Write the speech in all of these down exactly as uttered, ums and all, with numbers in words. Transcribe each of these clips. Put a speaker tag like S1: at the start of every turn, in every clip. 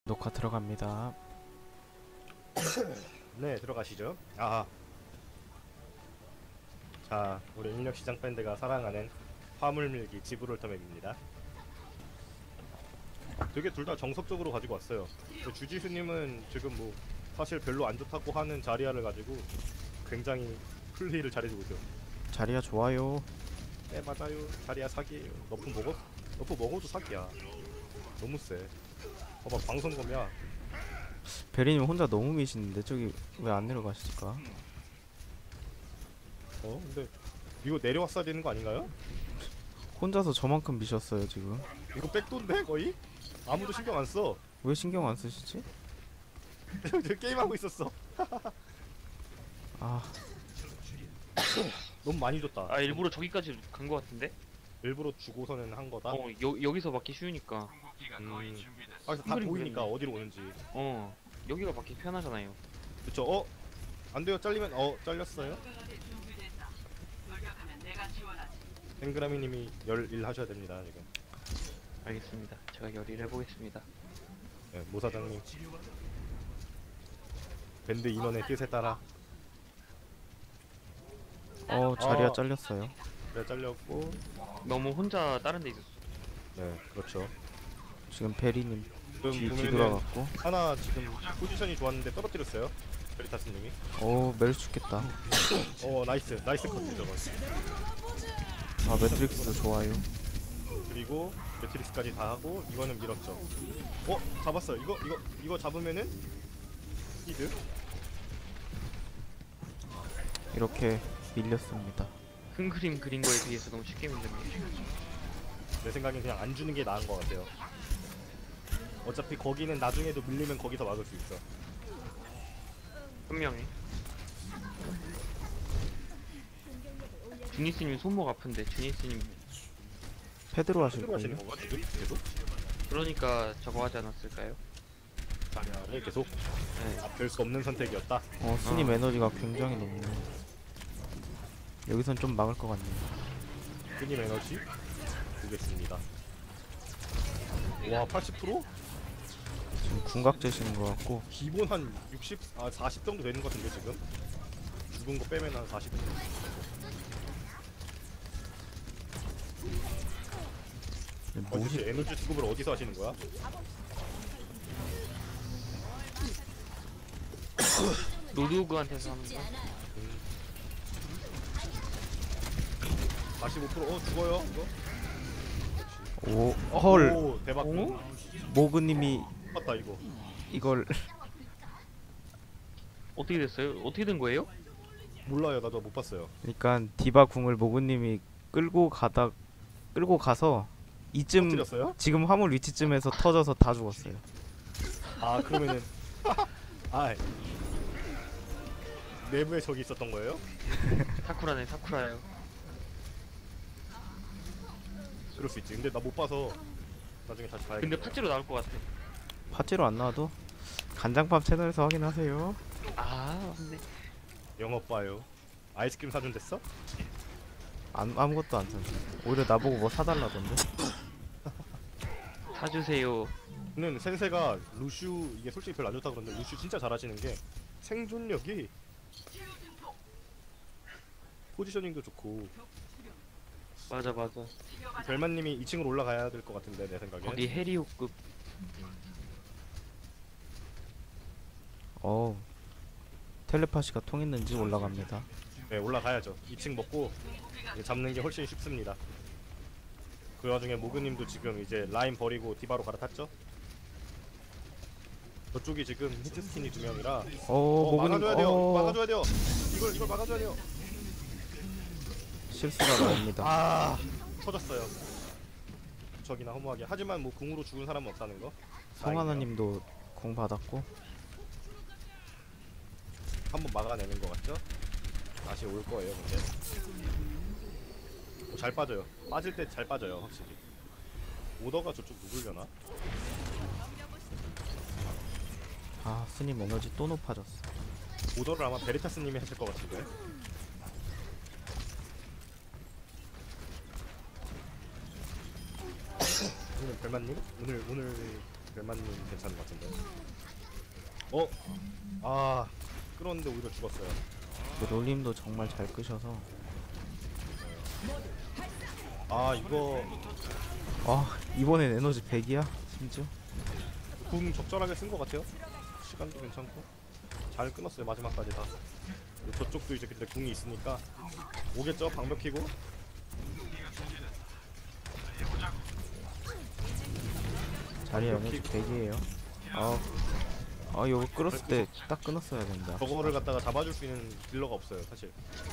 S1: 녹화 들어갑니다.
S2: 네, 들어가시죠. 아, 자, 우리 인력시장 밴드가 사랑하는 화물밀기 지브롤터 맵입니다. 되게 둘 다 정석적으로 가지고 왔어요. 주지수님은 지금 뭐 사실 별로 안 좋다고 하는 자리아를 가지고 굉장히 플레이를 잘해주고 있어요.
S1: 자리가 좋아요.
S2: 네, 맞아요. 자리아 사기예요. 너프 먹어? 너프 먹어도 사기야. 너무 세. 봐봐, 방송검이야.
S1: 베리님 혼자 너무 미시는데 저기 왜 안 내려가실까?
S2: 어, 근데 이거 내려왔어야 되는 거 아닌가요?
S1: 혼자서 저만큼 미셨어요 지금.
S2: 이거 백도인데 거의? 아무도 신경 안 써.
S1: 왜 신경 안 쓰시지?
S2: 저 게임하고 있었어.
S1: 아,
S2: 너무 많이 줬다.
S3: 아 일부러 저기까지 간 거 같은데?
S2: 일부러 주고서는 한 거다.
S3: 어 여, 여기서 맞기 쉬우니까.
S2: 음. 아, 다
S3: 큰 그림
S2: 보이니까
S3: 그렸네.
S2: 어디로 오는지.
S3: 어 여기가 맞기 편하잖아요.
S2: 그쵸? 어? 안 돼요. 잘리면 어 잘렸어요. 땡그라미님이 열일 하셔야 됩니다 지금.
S3: 알겠습니다. 제가 열의를 해보겠습니다.
S2: 네, 모사장님. 밴드 인원의 뜻에 따라.
S1: 어 자리가
S2: 어.
S1: 잘렸어요.
S2: 그래 잘렸고.
S3: 너무 혼자 다른 데 있었어.
S2: 네, 그렇죠.
S1: 지금 베리님
S2: 지금
S1: 뒤
S2: 보면은
S1: 뒤돌아갔고.
S2: 하나 지금 포지션이 좋았는데 떨어뜨렸어요. 베리타스님이.
S1: 오 멜 죽겠다.
S2: 어, 나이스, 나이스 컷 저거.
S1: 아 매트릭스 좋아요.
S2: 그리고 매트릭스까지 다 하고 이거는 밀었죠. 어? 잡았어요. 이거 이거 이거 잡으면은 히드.
S1: 이렇게 밀렸습니다.
S3: 큰 그림 그린 거에 비해서 너무 쉽게 밀렸네요.
S2: 내 생각엔 그냥 안 주는 게 나은 것 같아요. 어차피 거기는 나중에도 밀리면 거기서 막을 수 있어.
S3: 현명해. 주니스님 손목 아픈데 주니스님
S1: 패드로 하실
S2: 패드로 하시는
S1: 거예요?
S2: 건가 지금? 계속?
S3: 그러니까 저거 하지 않았을까요?
S2: 자리아를 계속
S3: 네.
S2: 아, 별 수 없는 선택이었다.
S1: 어 스님
S3: 어.
S1: 에너지가 굉장히 높네요. 여기선 좀 막을 것 같네요.
S2: 끈님 에너지 보겠습니다. 와 팔십 퍼센트?
S1: 지금 궁각 재시는 것 같고.
S2: 기본 한 육십, 아 사십 정도 되는 것 같은데 지금? 죽은 거 빼면 한 사십 정도. 어,
S1: 뭐지?
S2: 도대체 에너지 수급을 어디서 하시는 거야?
S3: 로드오그한테서 하는 거?
S2: 사십오 퍼센트? 어 죽어요 이거?
S1: 오
S2: 어,
S1: 헐.
S2: 오 대박.
S3: 오?
S1: 모그님이
S2: 맞다 이거.
S1: 이걸
S3: 어떻게 됐어요? 어떻게 된 거예요?
S2: 몰라요. 나도 못 봤어요.
S1: 그러니까 디바 궁을 모그님이 끌고 가다 끌고 가서 이쯤
S2: 터뜨렸어요?
S1: 지금 화물 위치쯤에서 터져서 다 죽었어요.
S2: 아 그러면은 아 내부에 적이 있었던 거예요?
S3: 사쿠라네 사쿠라요.
S2: 그럴 수 있지. 근데 나 못 봐서 나중에 다시 봐야겠다.
S3: 근데 팥찌로 나올 것 같아.
S1: 파츠로 안 나와도 간장밥 채널에서 확인하세요.
S3: 아 맞네.
S2: 영업 봐요. 아이스크림 사준댔어?
S1: 안, 아무것도 안 사. 오히려 나보고 뭐 사달라던데.
S3: 사주세요.
S2: 저는 센세가 루슈 이게 솔직히 별로 안 좋다 그러는데 루슈 진짜 잘하시는 게 생존력이 포지셔닝도 좋고.
S3: 맞아 맞아.
S2: 별만님이 이 층으로 올라가야 될 것 같은데 내 생각에.
S3: 거기 해리오급.
S1: 어우 텔레파시가 통했는지 올라갑니다.
S2: 네 올라가야죠. 이 층 먹고 이제 잡는 게 훨씬 쉽습니다. 그 와중에 모그님도 지금 이제 라인 버리고 디바로 갈아탔죠? 저쪽이 지금 히트스킨이 두 명이라
S1: 어
S2: 어,
S1: 모그님
S2: 막아줘야 돼요.
S1: 어
S2: 막아줘야 돼요. 이걸 이걸 막아줘야 돼요.
S1: 실수가 나옵니다.
S2: 아 터졌어요. 저기나 허무하게. 하지만 뭐 궁으로 죽은 사람은 없다는 거.
S1: 송하나님도 공 받았고.
S2: 한번 막아내는 것 같죠? 다시 올 거예요, 근데. 어, 잘 빠져요. 빠질 때 잘 빠져요, 확실히. 오더가 저쪽 누굴려나?
S1: 아 스님 에너지 또 높아졌어.
S2: 오더를 아마 베리타스님이 하실 것 같은데. 오늘 별만님? 오늘 오늘 별만님 괜찮은 것 같은데. 어? 아 끌었는데 오히려 죽었어요.
S1: 그 롤림도 정말 잘 끄셔서.
S2: 아 이거
S1: 아 이번엔 에너지 백이야 심지어.
S2: 궁 적절하게 쓴 것 같아요. 시간도 괜찮고 잘 끊었어요 마지막까지 다. 근데 저쪽도 이제 근데 궁이 있으니까 오겠죠 방벽 키고.
S1: 자리 에너지 백이에요. 아, 아 이거 끌었을 때 딱 끊었어야 된다.
S2: 저거를 갖다가 잡아줄 수 있는 딜러가 없어요 사실.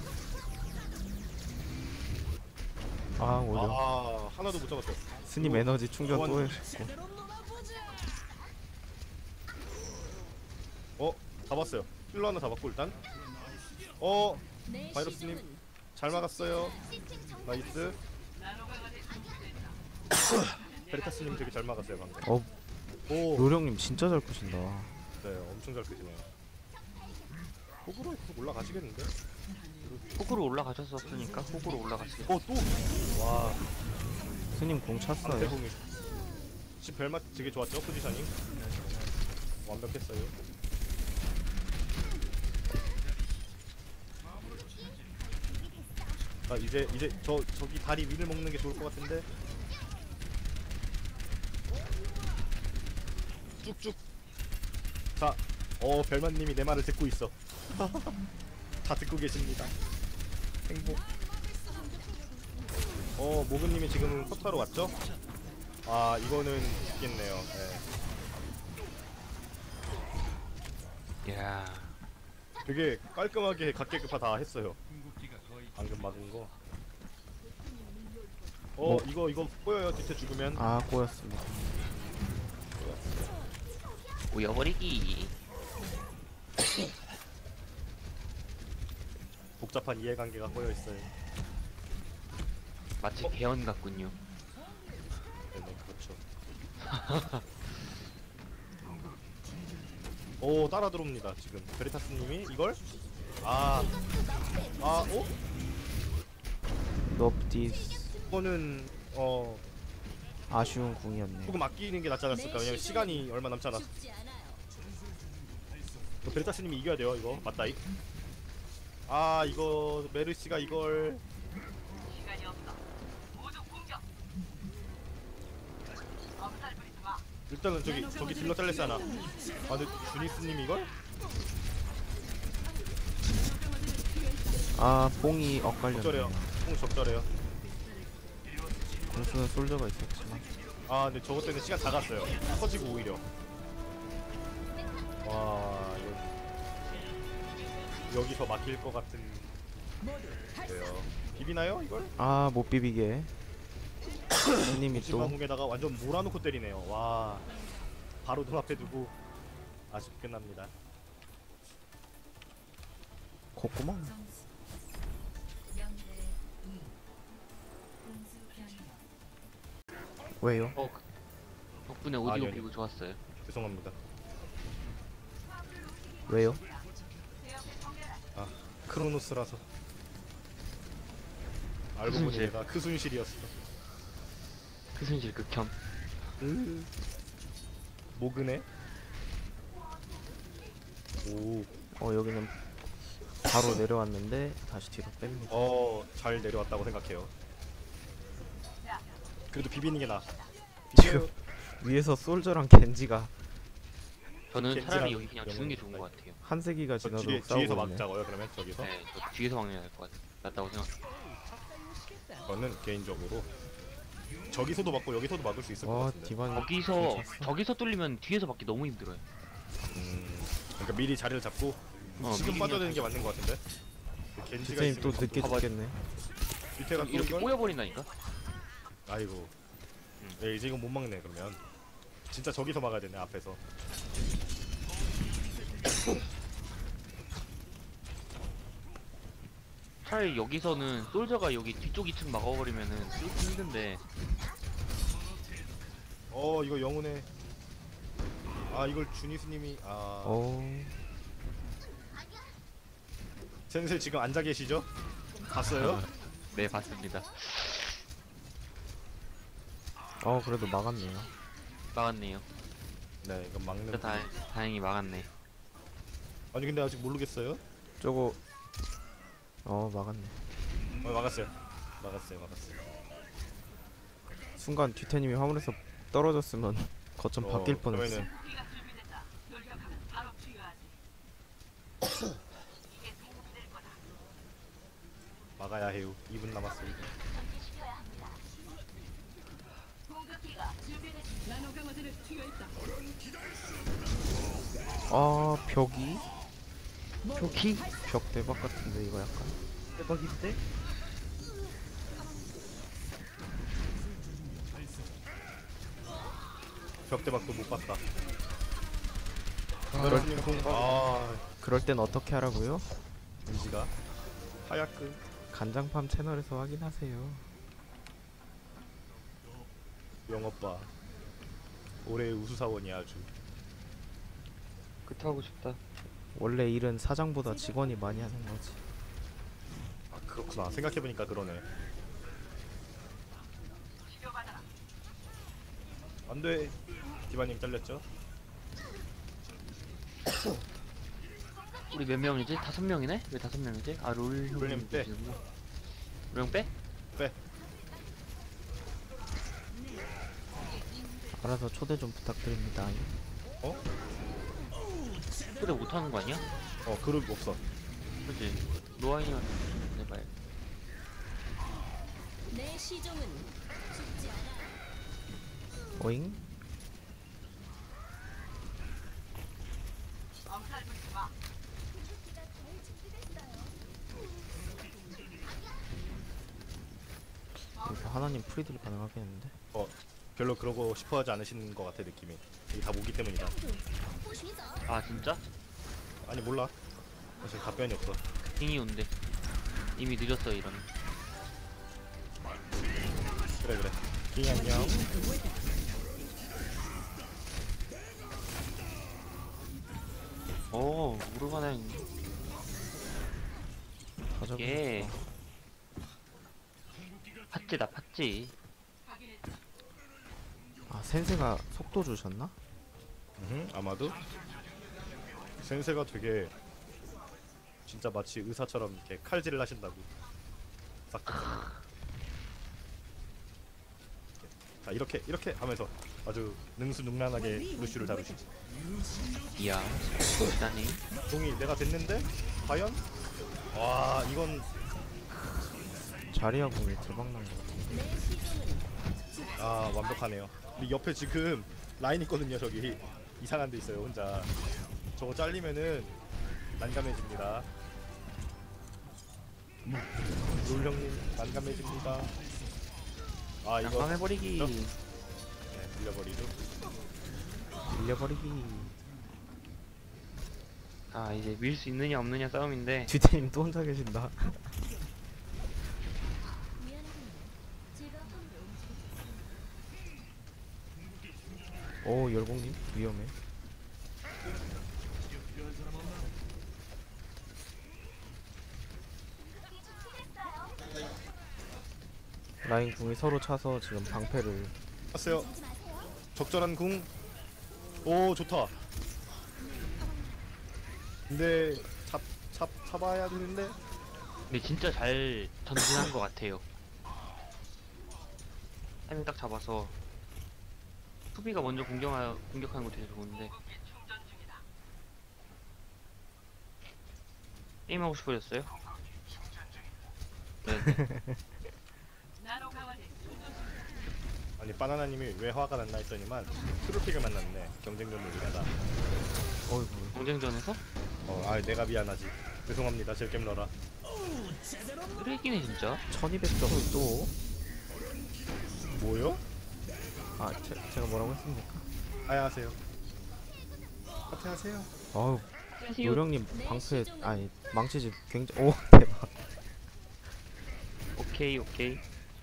S1: 아 오히려
S2: 아 하나도 못 잡았어요.
S1: 스님 에너지 충전 또 했고.
S2: 어 잡았어요. 힐러 하나 잡았고 일단. 어 바이러스님 잘 막았어요. 나이스. 베리타스님 되게 잘 막았어요 방금.
S1: 어
S2: 오.
S1: 노령님 진짜 잘 끄신다.
S2: 네 엄청 잘 끄시네요. 호구로 계속 올라가시겠는데?
S3: 호구로 올라가셨었으니까 호구로 올라가시겠.
S2: 어 또! 와
S1: 스님 공 찼어요.
S2: 상대공이 집 벨맛 되게 좋았죠 포지셔닝. 완벽했어요. 아 이제 이제 저 저기 다리 위를 먹는 게 좋을 것 같은데. 쭉쭉. 자, 어 벨맛님이 내 말을 듣고 있어. 다 듣고 계십니다. 행복. 어 모근님이 지금 석타로 왔죠? 아 이거는 있겠네요. 네.
S3: 야.
S2: 되게 깔끔하게 각계급파 다 했어요. 방금 막은 거. 어
S1: 뭐?
S2: 이거 이거 꼬여요 뒤태 죽으면.
S1: 아 꼬였습니다.
S3: 오여버리기.
S2: 복잡한 이해관계가 꼬여 있어요.
S3: 마치
S2: 어?
S3: 개헌 같군요.
S2: 네네 그렇죠. 오 따라 들어옵니다 지금 베리타스님이 이걸. 아, 아, 어?
S1: 넙디스
S2: 이거는 어
S1: 아쉬운 궁이었네요.
S2: 조금 아끼는 게 낫지 않았을까? 왜냐면 시간이 얼마 남지 않았어. 그 베리타스님이 이겨야 돼요 이거 맞다이. 아 이거 메르시가 이걸. 일단은 저기 저기 딜러 잘렸잖아. 아 근데 주니스님 이걸?
S1: 아 뽕이
S2: 적절해요.
S1: 엇갈렸네요.
S2: 뽕 적절해요.
S1: 공수는 솔저가 있었지만.
S2: 아 근데 저것 때문에 시간 다 갔어요. 터지고 오히려. 와 이거 여기서 막힐 것 같은. 그래요. 비비나요 이걸?
S1: 아 못 비비게. 스님이 또
S2: 지방궁에다가 완전 몰아놓고 때리네요. 와 바로 눈앞에 두고 아쉽게 끝납니다.
S1: 콧구멍. 왜요?
S3: 어. 그- 덕분에
S2: 아,
S3: 오디오
S2: 네네.
S3: 비고 좋았어요.
S2: 죄송합니다.
S1: 왜요?
S2: 아 크로노스라서. 알고 보니
S3: 크순실.
S2: 내가 크순실이었어.
S3: 크순실 극혐.
S2: 으. 모그네. 오.
S1: 어 여기는 바로 내려왔는데 다시 뒤로 뺍니다.
S2: 어, 잘 내려왔다고 생각해요. 그래도 비비는 게 나아.
S1: 지금 위에서 솔저랑 겐지가
S3: 저는
S2: 겐지랑
S3: 차라리 여기 그냥 주는 게 좋은
S2: 영웅이
S3: 것 같아요.
S1: 한 세기가
S2: 저
S1: 지나도
S2: 뒤에,
S1: 싸우고
S2: 뒤에서
S1: 있네.
S2: 막자고요 그러면 저기서.
S3: 네, 저 뒤에서 막는 게 나을 것 같, 낫다고 생각해요.
S2: 저는 개인적으로 저기서도 막고 여기서도 막을 수 있을 것
S1: 와
S2: 같은데.
S1: 디바니
S3: 거기서
S1: 괜찮았어.
S3: 저기서 뚫리면 뒤에서 막기 너무 힘들어요.
S2: 음, 그러니까 미리 자리를 잡고
S3: 어,
S2: 지금
S3: 미리
S2: 빠져드는
S3: 그냥
S2: 게 맞는 것 같은데. 그 겐지가
S1: 지세님 또
S2: 있으면
S1: 늦게
S3: 봐봐.
S1: 죽겠네.
S2: 밑에가 또
S3: 이렇게
S2: 이걸.
S3: 꼬여버린다니까?
S2: 아이고.
S3: 음.
S2: 네, 이제 이건 못 막네 그러면. 진짜 저기서 막아야 되네 앞에서.
S3: 차라리 여기서는 솔저가 여기 뒤쪽 이 층 막아버리면은 뚫기 힘든데.
S2: 어 이거 영혼의. 아 이걸 주니스님이 아.
S1: 어
S2: 센세 지금 앉아 계시죠? 봤어요?
S3: 네, 봤습니다.
S1: 어 그래도 막았네요.
S3: 막았네요.
S2: 네 이건 막는.
S3: 진짜 다, 다행히 막았네.
S2: 아니 근데 아직 모르겠어요.
S1: 저거 어 막았네.
S2: 어 막았어요. 막았어요. 막았어요.
S1: 순간 뒤태님이 화물에서 떨어졌으면 거점
S2: 어,
S1: 바뀔 뻔했어.
S2: 그러면은 막아야 해요. 이 분 남았어요.
S1: 아 벽이
S3: 벽이
S1: 벽 대박 같은데 이거 약간.
S3: 대박인데?
S2: 벽대박도 못 봤다.
S1: 그럴,
S2: 여러분님 공. 아,
S1: 그럴 땐 어떻게 하라고요?
S2: 은지가 하얗크.
S1: 간장팜 채널에서 확인하세요.
S2: 영업봐. 올해의 우수사원이야 아주.
S3: 그거 하고 싶다.
S1: 원래 일은 사장보다 직원이 많이 하는 거지.
S2: 아 그렇구나. 생각해보니까 그러네. 안돼. 디바님 잘렸죠?
S3: 우리 몇 명이지? 다섯 명이네? 왜 다섯 명이지? 아 롤.
S2: 롤님 빼.
S3: 롤형 빼?
S2: 빼.
S1: 알아서 초대 좀 부탁드립니다.
S2: 어?
S3: 그래 못하는 거 아니야?
S2: 어 그룹 없어.
S3: 그치? 노아이만 해봐야.
S4: 내 시종은 죽지 않아.
S1: 오잉? 여기서 하나님 프리딜 가능하겠는데?
S2: 어 별로 그러고 싶어하지 않으시는 것 같아 느낌이. 이게 다 모기 때문이다.
S3: 아 진짜?
S2: 아니 몰라. 사실 답변이 없어.
S3: 킹이 온대. 이미 늦었어 이러면.
S2: 그래 그래. 킹이 안녕.
S3: 오 우르가나인.
S1: 가자.
S3: 예. 팥찌다 팥찌.
S1: 아 센세가 속도 주셨나?
S2: 음, 아마도 센세가 되게 진짜 마치 의사처럼 이렇게 칼질을 하신다고. 싹. 자 이렇게 이렇게 하면서 아주 능수능란하게 루시를 다루시지.
S3: 이야. 대단해.
S2: 동이 내가 됐는데 과연? 와 이건
S1: 자리야 공이 대박난 거 같아.
S2: 아 완벽하네요. 근데 옆에 지금 라인 있거든요. 저기 이상한 데 있어요 혼자. 저거 잘리면은 난감해집니다. 롤 형님 난감해집니다. 아 이거
S3: 난감해버리기.
S2: 저? 네 밀려버리죠.
S1: 밀려버리기.
S3: 아 이제 밀 수 있느냐 없느냐 싸움인데.
S1: 뒤태님 또 혼자 계신다. 오 열공님 위험해. 라인 궁이 서로 차서 지금 방패를.
S2: 봤어요. 적절한 궁. 오 좋다. 근데 잡, 잡, 잡아야 되는데.
S3: 근데 진짜 잘 전진한 것 같아요. 타이밍 딱 잡아서 수비가 먼저 공격하, 공격하는 거 되게 좋은데. 게임하고 싶어졌어요? 네.
S2: 아니 바나나님이 왜 화가 났나 했더니만 트로픽을 만났네. 경쟁전 놀이하다.
S1: 어이구.
S3: 경쟁전에서?
S2: 어, 아 내가 미안하지. 죄송합니다. 젤겜 러라.
S3: 쓰레기네 진짜.
S1: 천이백 점을 또.
S2: 뭐요?
S1: 아 제, 제가 뭐라고 했습니까?
S2: 하야하세요. 하야하세요.
S1: 어우
S3: 안녕하세요.
S1: 요령님 방패 아니 망치집 굉장히 오 대박.
S3: 오케이 오케이.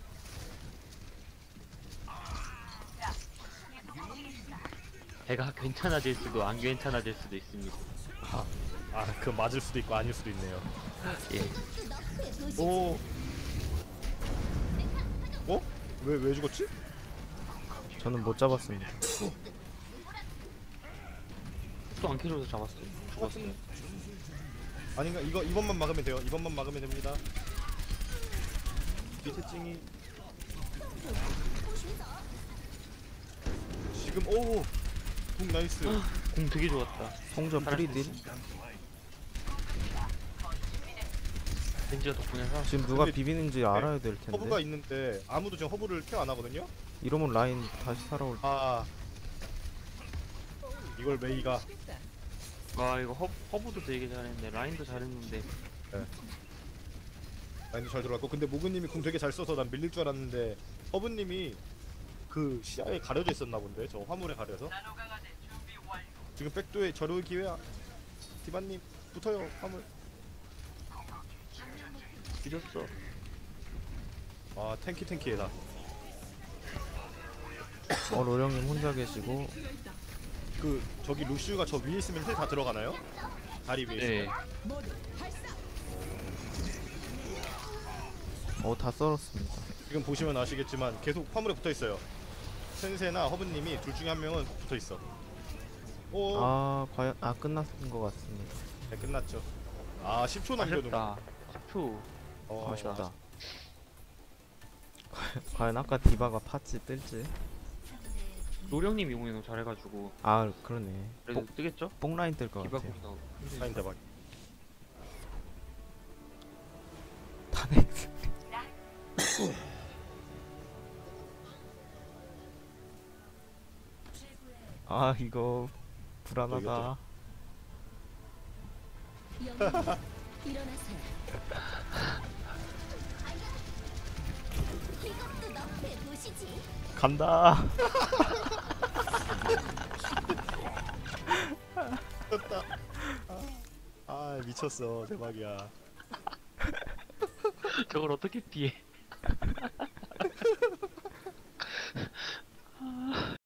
S3: 배가 괜찮아질 수도 안 괜찮아질 수도 있습니다.
S2: 아, 그 맞을 수도 있고 아닐 수도 있네요.
S3: 예.
S2: 오. 어? 왜 왜 죽었지?
S1: 저는 못 잡았습니다.
S3: 또 안 캐줘서 잡았어요. 죽었어요.
S2: 똑같은 아닌가? 이거 이번만 막으면 돼요. 이번만 막으면 됩니다. 밑에 찡이 지금 오우 궁 나이스.
S3: 공 되게 좋았다.
S1: 송전 프리딜.
S3: 벤지가 덕분에 살았어.
S1: 지금 누가
S2: 근데-
S1: 비비는지 알아야 될
S2: 허브가
S1: 텐데.
S2: 있는데 아무도 지금 허브를 케어 안 하거든요.
S1: 이러면 라인 다시 살아올.
S2: 아 이걸 메이가
S3: 아 이거 허, 허브도 되게 잘했는데 라인도 잘했는데
S2: 라인도 잘 들어갔고, 근데 모그님이 궁 되게 잘 써서 난 밀릴 줄 알았는데 허브님이 그 시야에 가려져 있었나 본데, 저 화물에 가려서. 지금 백도에 저럴 기회야. 디바님 붙어요 화물.
S3: 뒤졌어.
S2: 아 탱키 탱키에다.
S1: 어 로령님 혼자 계시고.
S2: 그 저기 루시우가 저 위에 있으면 힐 다 들어가나요? 다리 위에
S3: 네.
S2: 있으면.
S1: 어 다 썰었습니다.
S2: 지금 보시면 아시겠지만 계속 화물에 붙어 있어요. 센세나 허브님이 둘 중에 한 명은 붙어 있어. 오,
S1: 아 과연 아 끝났은 것 같습니다.
S2: 네, 끝났죠. 아 십 초 남겨둔.
S3: 아쉽다. 십 초.
S2: 어,
S1: 아쉽다. 과연 아까 디바가 팠지 뜰지.
S3: 노령님 이번에 너무 잘해가지고
S1: 아 그러네.
S3: 그래도
S1: 뽕,
S3: 뜨겠죠?
S1: 뽕라인 뜰 것
S3: 디바
S1: 같아요.
S3: 공도
S2: 사인 대박.
S1: 타넥스. 아 이거 불안하다.
S4: 영웅 일어나세요. 이것도 너의 도시지.
S1: 간다.
S2: 미쳤다. 아 미쳤어. 대박이야.
S3: 저걸 어떻게 피해?